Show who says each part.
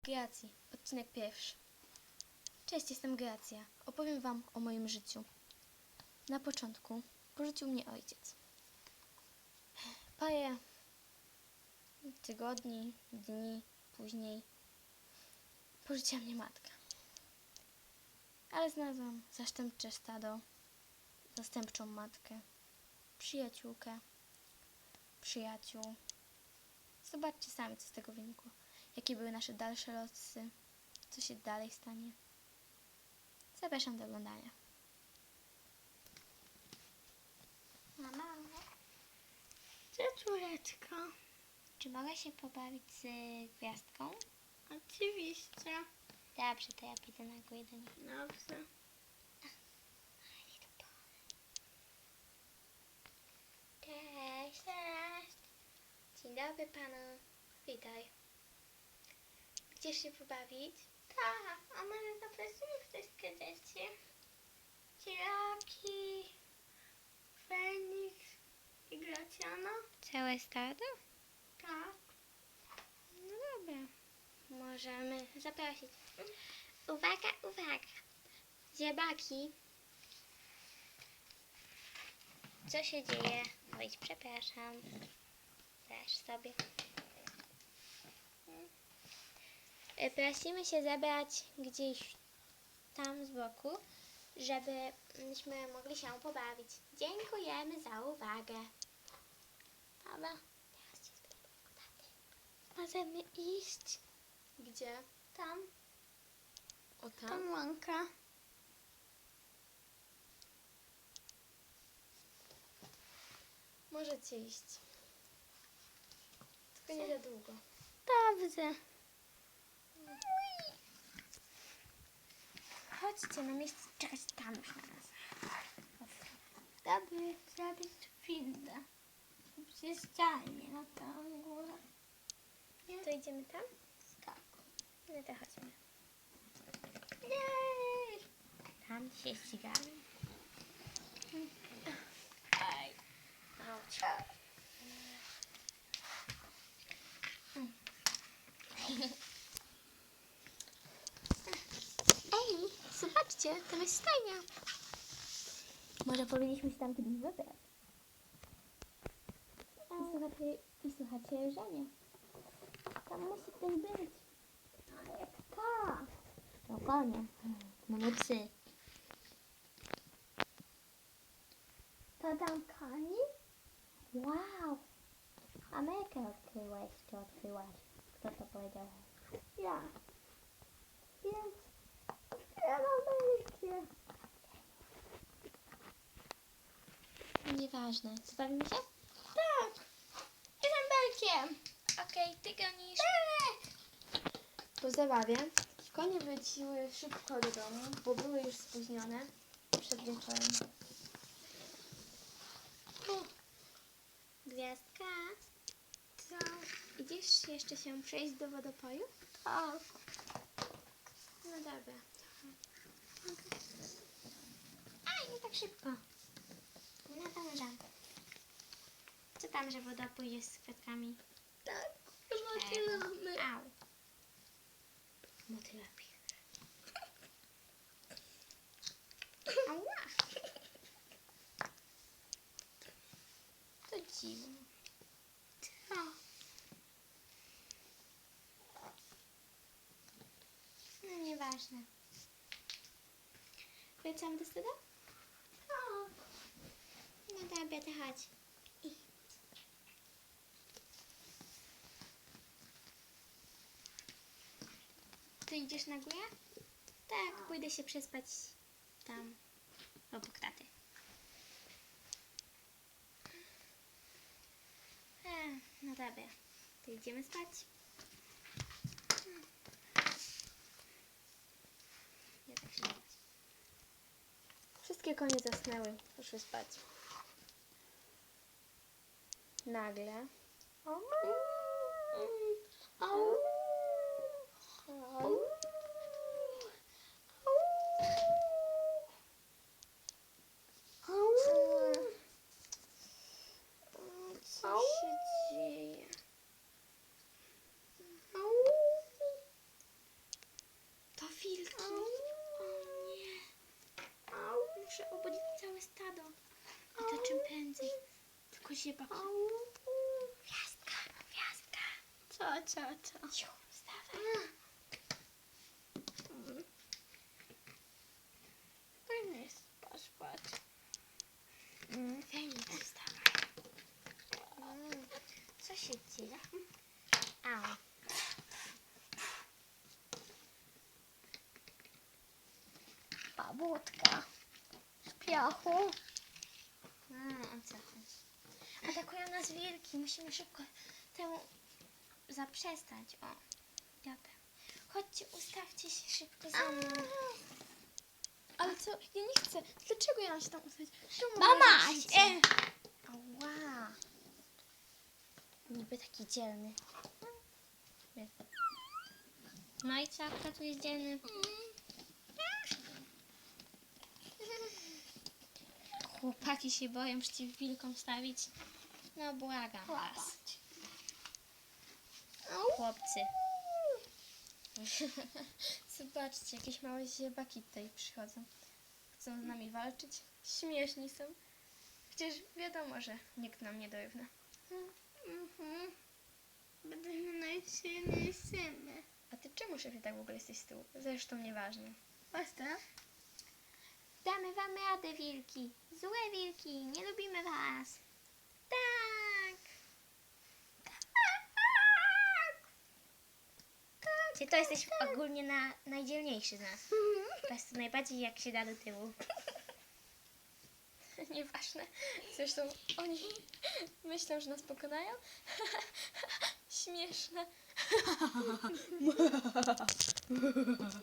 Speaker 1: Greacji, odcinek pierwszy. Cześć, jestem Greacja. Opowiem wam o moim życiu. Na początku porzucił mnie ojciec. Parę tygodni, dni później porzuciła mnie matka. Ale znalazłam zastępcze stado, zastępczą matkę, przyjaciółkę, przyjaciół. Zobaczcie sami, co z tego wynikło. Jakie były nasze dalsze losy, co się dalej stanie. Zapraszam do oglądania.
Speaker 2: Mama, cześć córeczko. Czy mogę się pobawić z gwiazdką?
Speaker 3: Oczywiście.
Speaker 2: Dobrze, to ja pójdę na górę do niej.
Speaker 3: Dobrze.
Speaker 2: Cześć. Cześć. Dzień dobry panu.
Speaker 1: Witaj. Chcesz się pobawić?
Speaker 3: Tak, a może zaprosimy wszystkie dzieci? Ciraki, Feniks i Gracjana?
Speaker 2: Całe stado?
Speaker 3: Tak.
Speaker 2: No dobra. Możemy zaprosić. Uwaga, uwaga. Ziebaki. Co się dzieje? Oj, przepraszam. Dasz sobie. Prosimy się zebrać gdzieś tam z boku, żebyśmy mogli się pobawić. Dziękujemy za uwagę. Dobra. Teraz cię spytam mojego taty. Możemy iść?
Speaker 1: Gdzie?
Speaker 3: Tam,
Speaker 1: O tam?
Speaker 3: tam łąka.
Speaker 1: Możecie iść. Tylko nie za długo.
Speaker 3: Dobrze.
Speaker 2: Chodźcie na miejsce, czekać tam już na nas.
Speaker 3: Dobry, zrobić windę. Przy ścianie na tą górę.
Speaker 2: To idziemy tam?
Speaker 3: Tak.
Speaker 2: No to chodźmy.
Speaker 3: Jej!
Speaker 2: Tam się ścigamy.
Speaker 3: Aj.
Speaker 2: Chodź. Ej, zobaczcie, tam jest stajnia. Może powinniśmy się tam kiedyś wybrać. I słuchajcie Żenie. Tam musi ktoś być.
Speaker 3: A jak ta?
Speaker 2: Spokojnie. Mamy psy.
Speaker 3: To tam koni?
Speaker 2: Wow. Amerykę odkryłeś, czy odkryłaś? Kto to powiedział?
Speaker 3: Ja. Więc otwieram Amerykę.
Speaker 2: Nieważne. Zabawimy się?
Speaker 3: Tak. Jestem belkiem.
Speaker 2: Okej, ty gonisz.
Speaker 1: Po zabawie konie wróciły szybko do domu, bo były już spóźnione przed wieczorem.
Speaker 2: Gwiazdka,
Speaker 3: Co?
Speaker 2: idziesz jeszcze się przejść do wodopoju?
Speaker 3: Tak.
Speaker 2: No dobra. Aj, nie tak szybko. Nadążam. Co tam, że wodopój jest z kwiatkami?
Speaker 3: Tak. Zobaczymy.
Speaker 2: Au. Motyla pisze. Ała. To dziwne.
Speaker 3: Co?
Speaker 2: No nieważne. Wracamy do stada?
Speaker 3: Tak.
Speaker 2: No dobra, to chodź. Ty idziesz na górę? Tak, pójdę się przespać tam obok taty. No dobra, to idziemy spać. Ja tak się spać.
Speaker 1: Wszystkie konie zasnęły, poszły spać. Nagle
Speaker 3: Au.
Speaker 1: co się dzieje?
Speaker 3: się patrzy.
Speaker 2: Gwiazdka, gwiazdka.
Speaker 3: Co?
Speaker 2: Ciu, wstawaj.
Speaker 3: Fajny jest, patrz.
Speaker 2: Fajnie, wstawaj. Co się dzieje? Au.
Speaker 3: Babudka. Z piachu.
Speaker 2: O co chodzi? Atakują nas wilki. Musimy szybko temu zaprzestać. O, dobra. Chodźcie, ustawcie się szybko za mną.
Speaker 1: Ale co? Ja nie chcę. Dlaczego ja mam się tam ustawić? Czemu
Speaker 3: Mama!
Speaker 1: moje życie?
Speaker 2: Ała. Niby taki dzielny. No i co? Kto tu jest dzielny? Chłopaki się boją przeciw wilkom stawić. No błagam was. Chłopcy.
Speaker 1: Zobaczcie, jakieś małe ziebaki tutaj przychodzą. Chcą z nami walczyć. Śmieszni są. Przecież wiadomo, że nikt nam nie dorówna.
Speaker 3: Będziemy najsilniejszymi.
Speaker 1: A ty czemu, szefie, tak w ogóle jesteś z tyłu? Zresztą nieważne.
Speaker 3: Postaw.
Speaker 2: Damy wam radę, wilki. Złe wilki, nie lubimy was. Tak. Czy to jesteś ogólnie najdzielniejszy z nas? Po prostu najbardziej jak się da do tyłu.
Speaker 1: Nieważne. Zresztą oni myślą, że nas pokonają. Śmieszne.